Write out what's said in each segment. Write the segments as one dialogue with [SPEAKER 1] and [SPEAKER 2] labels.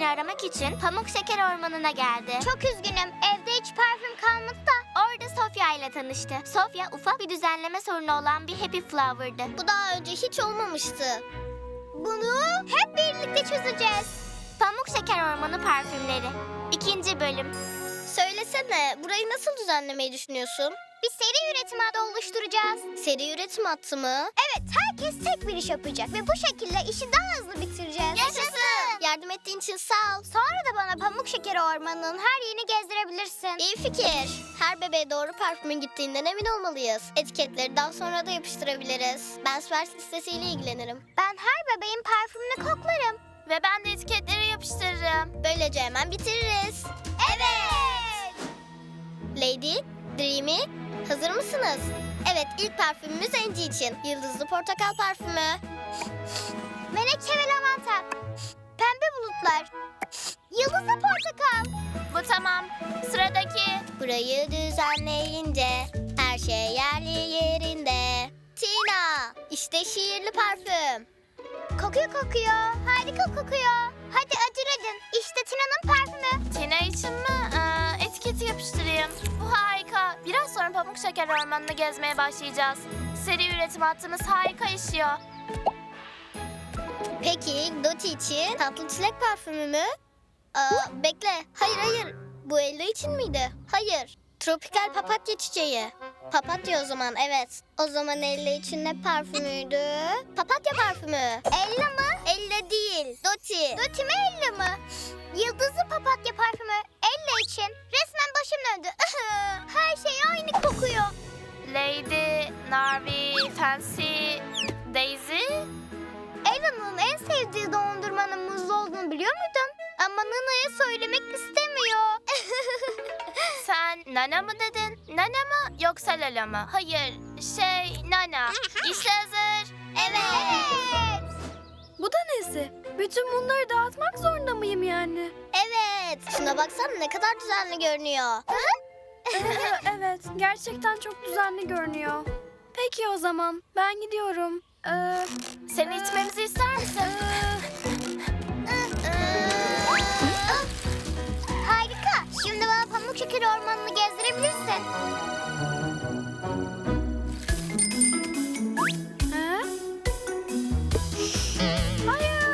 [SPEAKER 1] parfümünü aramak için Pamuk Şeker Ormanı'na geldi.
[SPEAKER 2] Çok üzgünüm. Evde hiç parfüm kalmadı da.
[SPEAKER 1] Orada Sofia ile tanıştı. Sofia ufak bir düzenleme sorunu olan bir Happy Flower'dı.
[SPEAKER 2] Bu daha önce hiç olmamıştı. Bunu hep birlikte çözeceğiz.
[SPEAKER 1] Pamuk Şeker Ormanı parfümleri. 2. bölüm.
[SPEAKER 2] Söylesene, burayı nasıl düzenlemeyi düşünüyorsun? Bir seri üretim hattı oluşturacağız. Seri üretim hattı mı? Evet, herkes tek bir iş yapacak ve bu şekilde işi daha hızlı bitireceğiz.
[SPEAKER 1] Yaşasın!
[SPEAKER 2] Yardım ettiğin için sağ ol. Sonra da bana Pamuk Şekeri Ormanı'nın her yerini gezdirebilirsin. İyi fikir. Her bebeğe doğru parfümün gittiğinden emin olmalıyız. Etiketleri daha sonra da yapıştırabiliriz. Ben sipariş listesiyle ilgilenirim. Ben her bebeğin parfümünü koklarım.
[SPEAKER 1] Ve ben de etiketleri yapıştırırım.
[SPEAKER 2] Böylece hemen bitiririz. Evet! Lady, Dreamy, hazır mısınız? Evet, ilk parfümümüz Angie için. Yıldızlı portakal parfümü. Menekşe ve lavanta. Pembe bulutlar. Yıldızlı portakal.
[SPEAKER 1] Bu tamam. Sıradaki.
[SPEAKER 2] Burayı düzenleyince her şey yerli yerinde. Tina, işte şiirli parfüm. Kokuyor. Harika kokuyor. Hadi acele edin. İşte Tina'nın parfümü.
[SPEAKER 1] Tina için mi? Etiketi yapıştırayım. Bu harika. Biraz sonra Pamuk Şeker Ormanı'nı gezmeye başlayacağız. Seri üretim hattımız harika işiyor.
[SPEAKER 2] Peki Doti için tatlı çilek parfümü mü? Bekle. Hayır. Bu Ella için miydi? Hayır. Tropikal papatya çiçeği. Papatya o zaman, evet. O zaman Ella için ne parfümüydü? Papatya parfümü. Ella mı? Ella değil. Doti. Doti mi Ella mı? Yıldızlı papatya parfümü Ella için. Resmen başım döndü. Her şey aynı kokuyor.
[SPEAKER 1] Lady, Narvi, Fancy, Daisy.
[SPEAKER 2] Ella'nın en sevdiği dondurmanın muzlu olduğunu biliyor muydun? Ama Nana'ya söylemek istemiyor.
[SPEAKER 1] Sen Nana mı dedin? Nana mı yoksa Lala mı? Hayır, Nana. İşte hazır.
[SPEAKER 2] Evet.
[SPEAKER 3] Bu da nesi? Bütün bunları dağıtmak zorunda mıyım yani?
[SPEAKER 2] Evet. Şuna baksana ne kadar düzenli görünüyor.
[SPEAKER 3] Evet, gerçekten çok düzenli görünüyor. Peki o zaman, ben gidiyorum.
[SPEAKER 1] Seni içmemizi ister misin?
[SPEAKER 2] Harika. Şimdi bana Pamuk Şekeri Ormanı'nı gezdirebilirsin.
[SPEAKER 3] Ha? Hayır!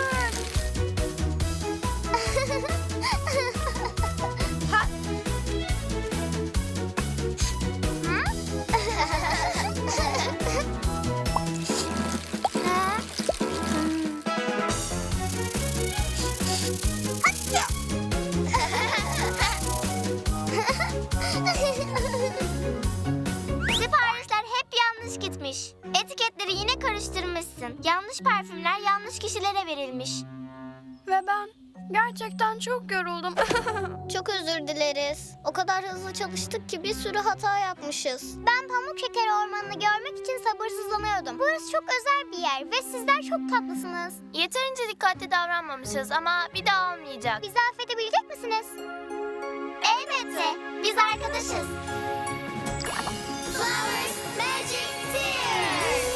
[SPEAKER 1] Siparişler hep yanlış gitmiş. Etiketleri yine karıştırmışsın. Yanlış parfümler yanlış kişilere verilmiş.
[SPEAKER 3] Ve ben gerçekten çok yoruldum.
[SPEAKER 2] Çok özür dileriz. O kadar hızlı çalıştık ki bir sürü hata yapmışız. Ben Pamuk Şekeri Ormanı'nı görmek için sabırsızlanıyordum. Burası çok özel bir yer ve sizler çok tatlısınız.
[SPEAKER 1] Yeterince dikkatli davranmamışız ama bir daha olmayacak.
[SPEAKER 2] Bizi affedebilecek misiniz?
[SPEAKER 1] Elbette. Biz arkadaşız.
[SPEAKER 2] Flowers Magic Tears.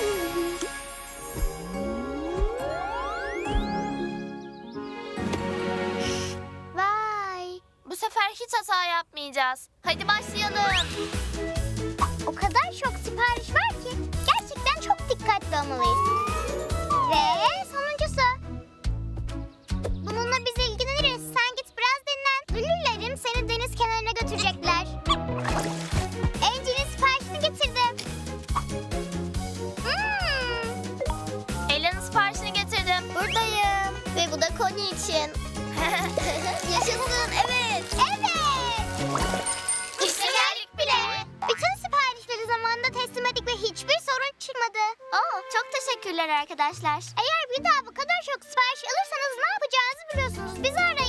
[SPEAKER 2] Vay.
[SPEAKER 1] Bu sefer hiç hata yapmayacağız. Hadi başlayalım.
[SPEAKER 2] O kadar çok sipariş var ki gerçekten çok dikkatli olmalıyız. Ve sonuncusu. Bununla biz ilgileniriz. Sen git biraz dinlen. Lülülerim seni deniz kenarına götürecekler. Angie'nin siparişini getirdim.
[SPEAKER 1] Ela'nın siparişini getirdim.
[SPEAKER 2] Buradayım. Ve bu da Connie için. Yaşasın, evet. Evet.
[SPEAKER 1] İşte geldik bile.
[SPEAKER 2] Bütün siparişleri zamanında teslim ettik ve hiçbir sorun çıkmadı.
[SPEAKER 1] Çok teşekkürler arkadaşlar.
[SPEAKER 2] Eğer bir daha bu kadar çok sipariş alırsanız ne yapacağınızı biliyorsunuz. Bizi arayın.